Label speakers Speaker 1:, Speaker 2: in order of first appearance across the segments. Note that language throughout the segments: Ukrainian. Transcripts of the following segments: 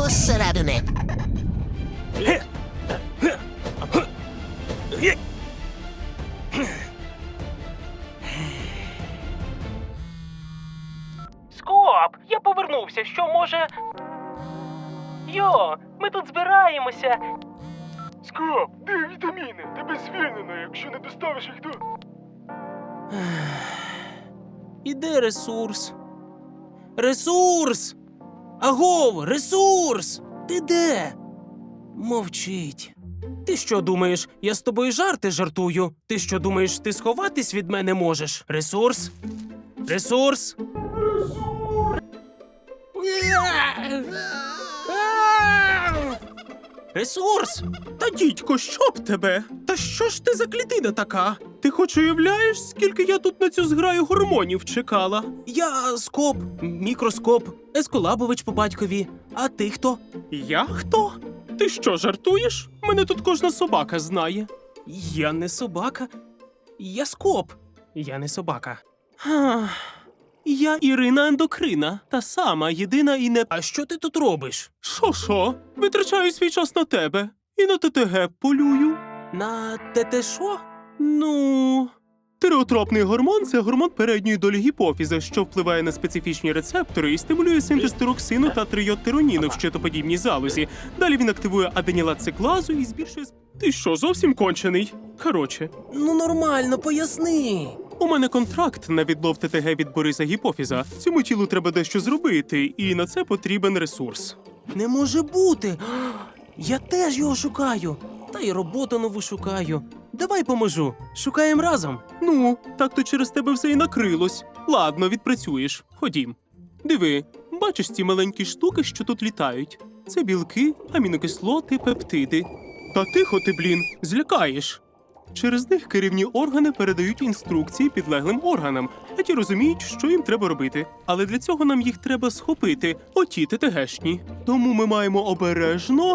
Speaker 1: зсередини.
Speaker 2: Скоп, я повернувся. Що, може... Йо, ми тут збираємося.
Speaker 3: Скоп, де вітаміни? Тебе звільнено, якщо не доставиш їх до...
Speaker 2: І де ресурс? Ресурс! Агов, ресурс! Ти де? Мовчить. Ти що думаєш, я з тобою жарти жартую? Ти що думаєш, ти сховатись від мене можеш? Ресурс? Ресурс? Ресурс?
Speaker 4: Та дідько, що б тебе? Та що ж ти за клітина така? Ти хоч уявляєш, скільки я тут на цю зграю гормонів чекала?
Speaker 2: Я Скоп, мікроскоп, Ескулабович по батькові. А ти хто?
Speaker 4: Я хто? Ти що, жартуєш? Мене тут кожна собака знає.
Speaker 2: Я не собака. Я Скоп. Я не собака.
Speaker 4: Ах, я Ірина Ендокрина, та сама, єдина і не...
Speaker 2: А що ти тут робиш?
Speaker 4: Шо? Витрачаю свій час на тебе. І на ТТГ полюю.
Speaker 2: На те що?
Speaker 4: Ну... Тиреотропний гормон – це гормон передньої долі гіпофіза, що впливає на специфічні рецептори і стимулює синтез тироксину та трийодтироніну в щитоподібній залозі. Далі він активує аденілатциклазу і збільшує... Ти що, зовсім кончений? Короче,
Speaker 2: Ну нормально, поясни.
Speaker 4: у мене контракт на відлов ТТГ від Бориса Гіпофіза. Цьому тілу треба дещо зробити, і на це потрібен ресурс.
Speaker 2: Не може бути. Я теж його шукаю. Та й роботу нову шукаю. Давай поможу. Шукаємо разом.
Speaker 4: Ну, так то через тебе все і накрилось. Ладно, відпрацюєш. Ходім. Диви, бачиш ці маленькі штуки, що тут літають? Це білки, амінокислоти, пептиди. Та тихо ти, блін, злякаєш. Через них керівні органи передають інструкції підлеглим органам, а ті розуміють, що їм треба робити. Але для цього нам їх треба схопити, оті ТТГшні. Тому ми маємо обережно...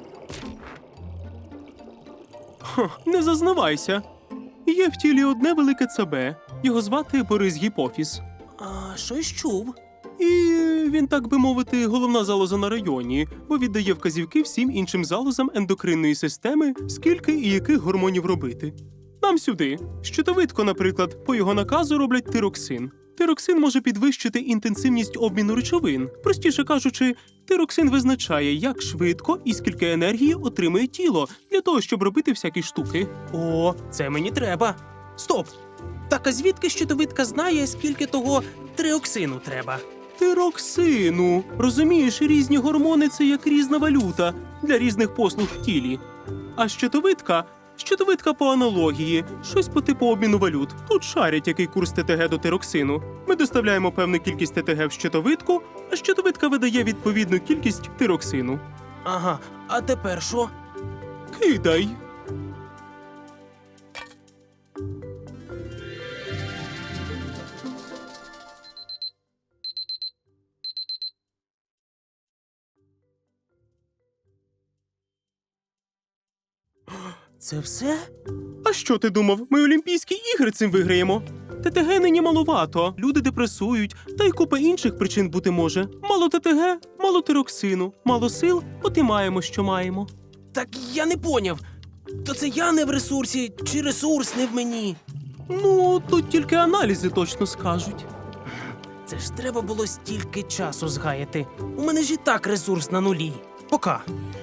Speaker 4: Не зазнавайся. Є в тілі одне велике ЦБ. Його звати Борис Гіпофіз.
Speaker 2: А щось чув.
Speaker 4: І він, так би мовити, головна залоза на районі, бо віддає вказівки всім іншим залозам ендокринної системи, скільки і яких гормонів робити. Нам сюди. Щитовидко, наприклад, по його наказу роблять тироксин. Тироксин може підвищити інтенсивність обміну речовин. Простіше кажучи, тироксин визначає, як швидко і скільки енергії отримує тіло для того, щоб робити всякі штуки.
Speaker 2: О, це мені треба. Стоп! Так а звідки щитовидка знає, скільки того триоксину треба?
Speaker 4: Тироксину. Розумієш, різні гормони – це як різна валюта для різних послуг в тілі. А щитовидка по аналогії, щось по типу обміну валют. Тут шарять, який курс ТТГ до тироксину. Ми доставляємо певну кількість ТТГ в щитовидку, а щитовидка видає відповідну кількість тироксину.
Speaker 2: Ага, а тепер що?
Speaker 4: Кидай.
Speaker 2: Це все?
Speaker 4: А що ти думав? Ми Олімпійські ігри цим виграємо? ТТГ нині маловато, люди депресують, та й купа інших причин бути може. Мало ТТГ, мало тироксину, мало сил, от і маємо, що маємо.
Speaker 2: Так я не поняв. То це я не в ресурсі, чи ресурс не в мені?
Speaker 4: Ну, тут тільки аналізи точно скажуть.
Speaker 2: Це ж треба було стільки часу згаяти. У мене ж і так ресурс на нулі. Пока.